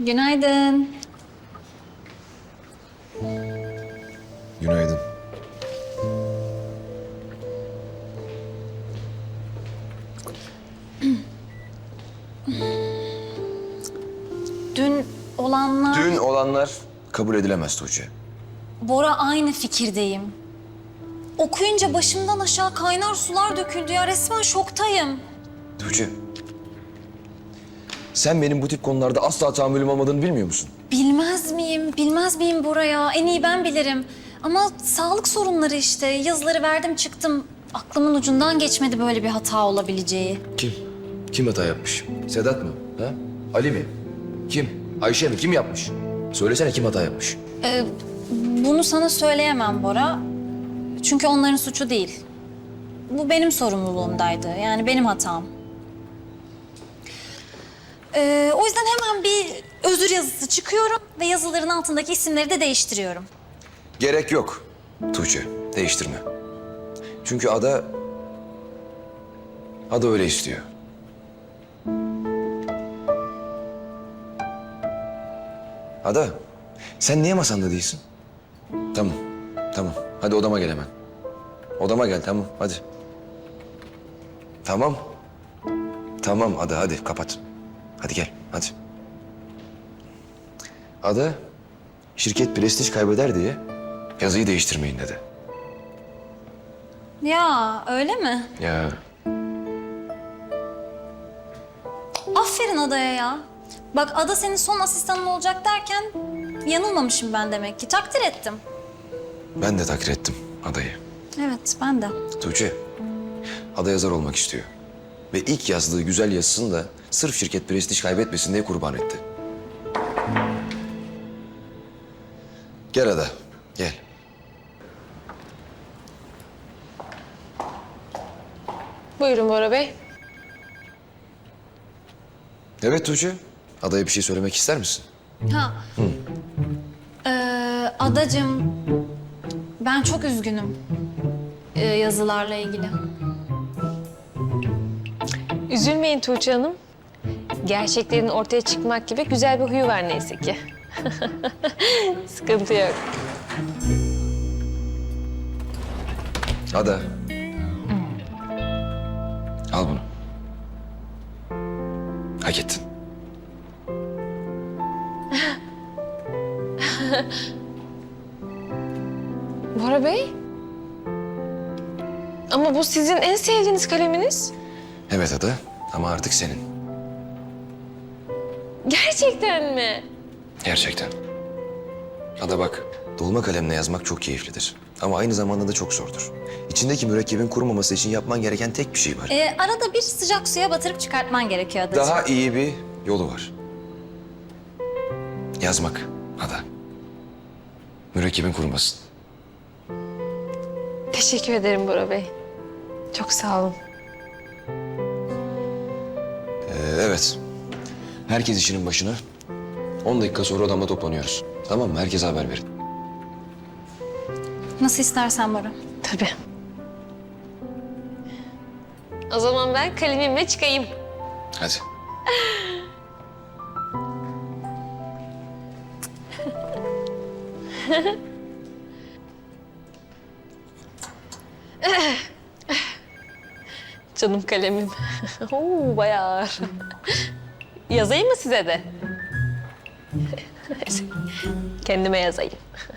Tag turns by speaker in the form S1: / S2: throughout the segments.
S1: Günaydın.
S2: Günaydın.
S1: Dün olanlar...
S2: Dün olanlar kabul edilemez Tuğçe.
S1: Bora, aynı fikirdeyim. Okuyunca başımdan aşağı kaynar sular döküldü ya. Resmen şoktayım.
S2: Tuğçe. Sen benim bu tip konularda asla tahammülüm olmadığını bilmiyor musun?
S1: Bilmez miyim? Bilmez miyim Bora ya? En iyi ben bilirim. Ama sağlık sorunları işte. Yazıları verdim çıktım. Aklımın ucundan geçmedi böyle bir hata olabileceği.
S2: Kim? Kim hata yapmış? Sedat mı? Ha? Ali mi? Kim? Ayşe mi? Kim yapmış? Söylesene kim hata yapmış?
S1: Bunu sana söyleyemem Bora. Çünkü onların suçu değil. Bu benim sorumluluğumdaydı. Yani benim hatam. O yüzden hemen bir özür yazısı çıkıyorum ve yazıların altındaki isimleri de değiştiriyorum.
S2: Gerek yok Tuğçe. Değiştirme. Çünkü Ada öyle istiyor. Ada, sen niye masanda değilsin? Tamam, tamam. Hadi odama gel hemen. Odama gel, tamam. Hadi. Tamam. Tamam Ada, hadi kapat. Hadi gel, hadi. Ada, şirket prestij kaybeder diye yazıyı değiştirmeyin dedi.
S1: Ya öyle mi?
S2: Ya
S1: Aferin Ada'ya ya. Bak Ada senin son asistanın olacak derken yanılmamışım ben demek ki. Takdir ettim.
S2: ben de takdir ettim Ada'yı.
S1: Evet ben de.
S2: Tuğçe, Ada yazar olmak istiyor. Ve ilk yazdığı güzel yazısını da sırf şirket prestij kaybetmesin diye kurban etti. Gel Ada, gel.
S3: Buyurun Bora Bey.
S2: Evet Tuğçe, Ada'ya bir şey söylemek ister misin?
S1: Ha. Adacığım, ben çok üzgünüm yazılarla ilgili.
S3: Üzülmeyin Tuğçe Hanım. Gerçeklerin ortaya çıkmak gibi güzel bir huyu var neyse ki. Sıkıntı yok.
S2: Ada. Al bunu. Hak ettin.
S3: Bora Bey? Ama bu sizin en sevdiğiniz kaleminiz.
S2: Evet Ada ama artık senin.
S3: Gerçekten mi?
S2: Gerçekten. Ada bak, dolma kalemle yazmak çok keyiflidir. Ama aynı zamanda da çok zordur. İçindeki mürekkebin kurumaması için yapman gereken tek bir şey var.
S1: Arada bir sıcak suya batırıp çıkartman gerekiyor Adacığım.
S2: Daha iyi bir yolu var. Yazmak Ada. Mürekkebin kurumasın.
S3: Teşekkür ederim Bora Bey. Çok sağ olun.
S2: Evet. Herkes işinin başına. 10 dakika sonra odamda toplanıyoruz. Tamam mı? Herkese haber verin.
S1: Nasıl istersen Bora.
S3: Tabii. O zaman ben kalemimle çıkayım.
S2: Hadi.
S3: Canım kalemim. Oo, bayağı ağır. Yazayım mı size de? Kendime yazayım.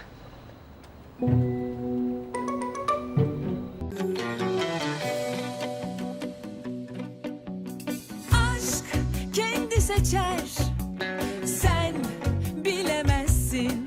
S4: Aşk kendi seçer